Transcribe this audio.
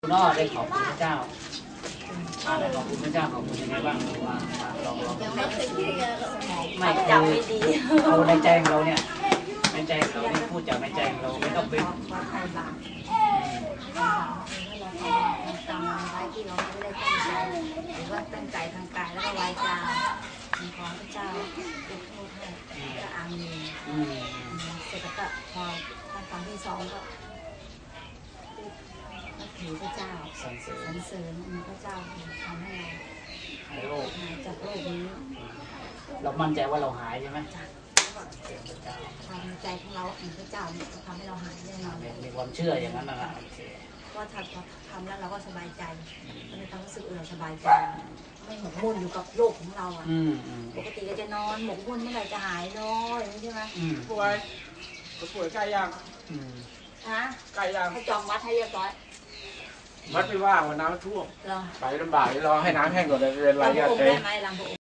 คุณอ้อได้ขอบคุณพระเจ้าได้ขอบคุณพระเจ้าขอบคุณยังไงบ้างว่าลองไม่จำไม่ดีเอาในใจของเราเนี่ยในใจของเราเนี่ยพูดจากในใจของเราไม่ต้องไปทำอะไรที่เราไม่ได้ตั้งใจหรือว่าตั้งใจทางกายแล้วก็วาจาขอพระเจ้ายกโทษให้ก็อามีเสร็จแล้วก็พอขั้นตอนที่สองก็นับถือพระเจ้าสรรเสริญพระเจ้าทำให้เราหายจากโรคนี้เรามั่นใจว่าเราหายใช่ไหมความในใจของเราพระเจ้าทำให้เราหายแน่นอนมีความเชื่ออย่างนั้นนะว่าถ้าทำแล้วเราก็สบายใจในความรู้สึกเราสบายใจไม่หมกมุ่นอยู่กับโรคของเราอ่ะปกติก็จะนอนหมกมุ่นเมื่อไหร่จะหายน้อยใช่ไหมป่วยใกล้ยังฮะใกล้ยังให้จองวัดให้เรียบร้อยวัดไม่ว่างวันน้ำท่วมไปลำบากรอให้น้ำแห้งก่อนเลยเป็นไรลำพระองค์ได้ไหมลำพระองค์